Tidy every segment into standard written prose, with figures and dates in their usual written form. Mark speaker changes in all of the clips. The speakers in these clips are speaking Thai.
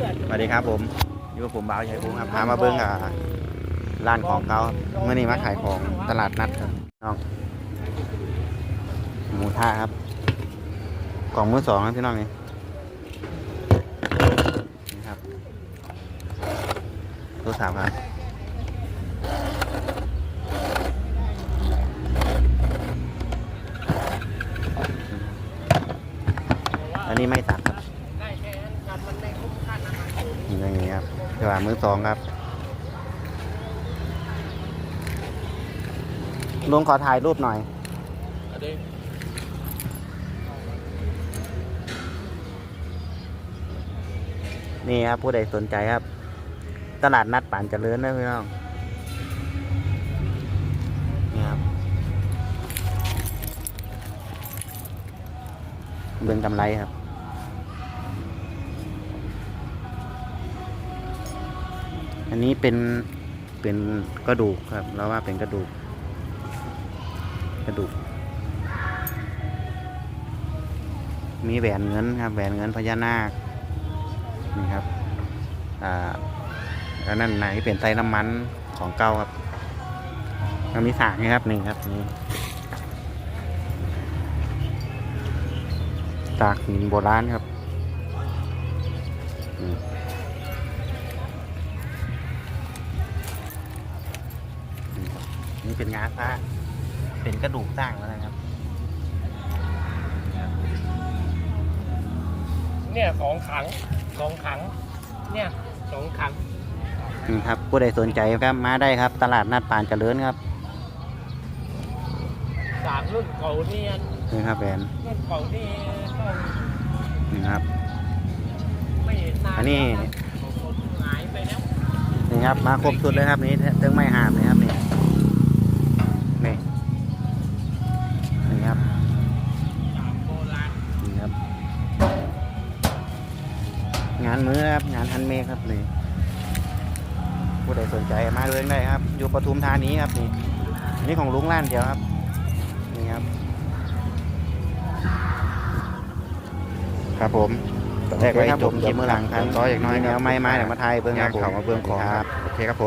Speaker 1: สวัสดีครับผมอยู่กับผมบ่าวชัยภูมิครับพามาเบิ้งร้านของเขาเมื่อนี้มาขายของตลาดนัดครับน้องหมูท่าครับกล่องมือสองครับพี่น้องนี่ครับตัวสามครับอันนี้ไม่สักครับอย่างนี้ครับตลาดมือสองครับลุงขอถ่ายรูปหน่อยนี่ครับผู้ใดสนใจครับตลาดนัดป่านเจริญนะพี่น้องนี่ครับเบิ่งกำไรครับอันนี้เป็นกระดูกครับเราว่าเป็นกระดูกมีแหวนเงินครับแหวนเงินพญานาคนี่ครับอันนั้นไหนเป็นไส้น้ำมันของเก่าครับแล้วมีสากนี่ครับนี่ครับนี่สากหินโบราณครับนี่เป็นงาซ่าเป็นกระดูกสร้างแล้วนะครับ
Speaker 2: เนี่ยของขังเนี่ยของขัง
Speaker 1: ครับผู้ใดสนใจครับมาได้ครับตลาดนัดป่านเจริญครับ
Speaker 2: จากรุ่นเก่าเนี่ย
Speaker 1: นี่ครับแบรนด์
Speaker 2: รุ่นเก่านี่ต้อง
Speaker 1: นี่ครับ
Speaker 2: ไม่เห็นนาน
Speaker 1: อันนี้
Speaker 2: หายไปแล้ว
Speaker 1: นี่ครับมาครบชุดเลยครับนี่เติงไม่หามนี่ครับนี่ครับ
Speaker 2: โบราณ
Speaker 1: นี่ครับงานมื้อครับงานฮันเมดครับนี่ผู้ใดสนใจมาเลยได้ครับอยู่ปทุมธานีครับนี่นี่ของลุงร้านเดียวครับนี่ครับครับผมแรกไว้จบคลิปเมื่อหลังครับต่ออย่างน้อยแนวไม้แต่มาไทยเบื้องครับผมมาเบื้องของครับโอเคครับผม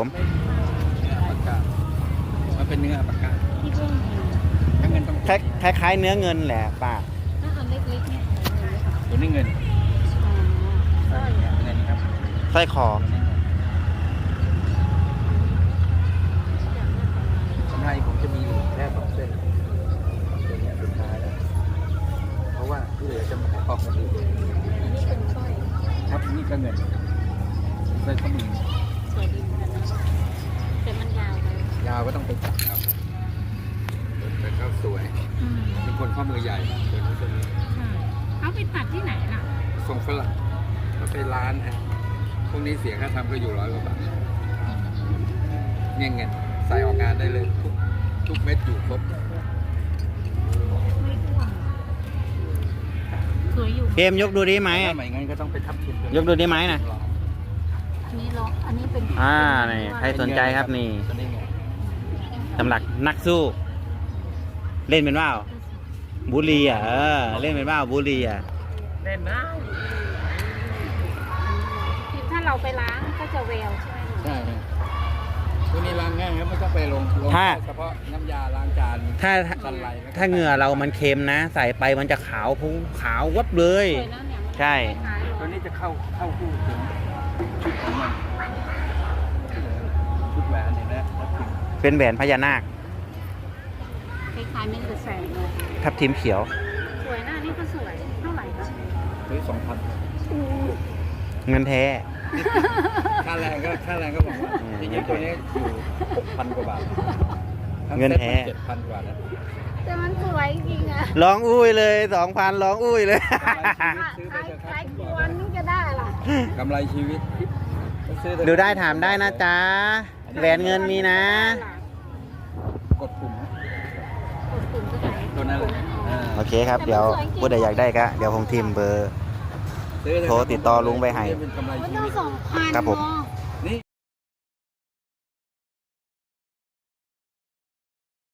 Speaker 2: มันเป็นเนื้อปากกา
Speaker 3: ที่เพิ่ง
Speaker 1: คล้ายๆเนื้อเงินแหละป้า
Speaker 3: ถ้าอันเล็กๆเนี่ย
Speaker 2: ตัวนี้เงิน
Speaker 3: สร้อย
Speaker 2: เงินครับ
Speaker 1: สร้อยคอก
Speaker 2: ำไรผมจะมีแค่2 เส้นตัวนี้สุดท้ายแล้วเพราะว่าที่เหลือจะมาออกกันอีก
Speaker 3: อันนี้เป็นสร้อย
Speaker 2: ครับนี่ก็เงินสร้อยข้อมือ
Speaker 3: สวยดีเหมือนกันนะแต่มันยาวไป
Speaker 2: ยาวก็ต้องไปตัดครับแต่ก็สวยเป็นคนข้อมือใหญ่เป็นคน
Speaker 3: เขาไปตัดที่ไหนล่ะ
Speaker 2: ทรงฝรั่งเราไปร้านฮะพวกนี้เสียค่าทำก็อยู่100 กว่าบาทเนี่ยเงินใส่ออกงานได้เลยทุกเม็ดอยู่ครบ
Speaker 3: สวยอยู่
Speaker 1: เกมยกดูดีไหม
Speaker 2: ไม่งั้นก็ต้องไปทับทิม
Speaker 1: ยกดูดีไหมนะ
Speaker 3: อันนี้ล็อกอันนี้เป็น
Speaker 1: นี่ใครสนใจครับนี่สำหรับนักสู้เล่นเป็นว่าวบุรีเล่นเป็นว่าวบุรี
Speaker 2: เล่นนะ
Speaker 3: ถ้าเราไปล้างก็จะเวลใช่ไหม
Speaker 2: ใช่พวกนี้ล้างง่ายครับไม่ต้องไปลงเฉพาะน้ำยาล้างจาน
Speaker 1: ถ้าเหงื่อเรามันเค็มนะใส่ไปมันจะขาวพุ่งขาววับเลยใช่
Speaker 2: ตัวนี้จะเข้าคู่ถึงชุดของมันชุดแหวนเนี่ยนะ
Speaker 1: เป็นแหวนพญานาค
Speaker 3: คล้ายๆเม็ดกระแสเลย
Speaker 1: ทับทิมเขียว
Speaker 3: สวยนะนี่ก็สวยเท่าไหร่คะ
Speaker 2: ซื้อ2,000
Speaker 1: เงินแท้
Speaker 2: ค่าแรงก็บอกว่าจริงๆตัวนี้อยู่6,000 กว่าบาท
Speaker 1: เงินแท้
Speaker 2: 7,000 กว่าแล้ว
Speaker 3: แต่มันสวยจริงอะ
Speaker 1: ร้องอุ้ยเลย 2,000ร้องอุ้ยเลย
Speaker 3: ใครควรนี่จะได้ล่ะ
Speaker 2: กำไรชีวิต
Speaker 1: ดูได้ถามได้นะจ๊ะแหวนเงินมีนะ
Speaker 2: กดปุ่ม
Speaker 3: ตัวนั้นเลย
Speaker 1: โอเคครับเดี๋ยวผู้ใดอยากได้ก็เดี๋ยวผมทิมเบอร์โทรติดต่อลุงไปให้
Speaker 3: มันต้อง2,000
Speaker 1: ครับผม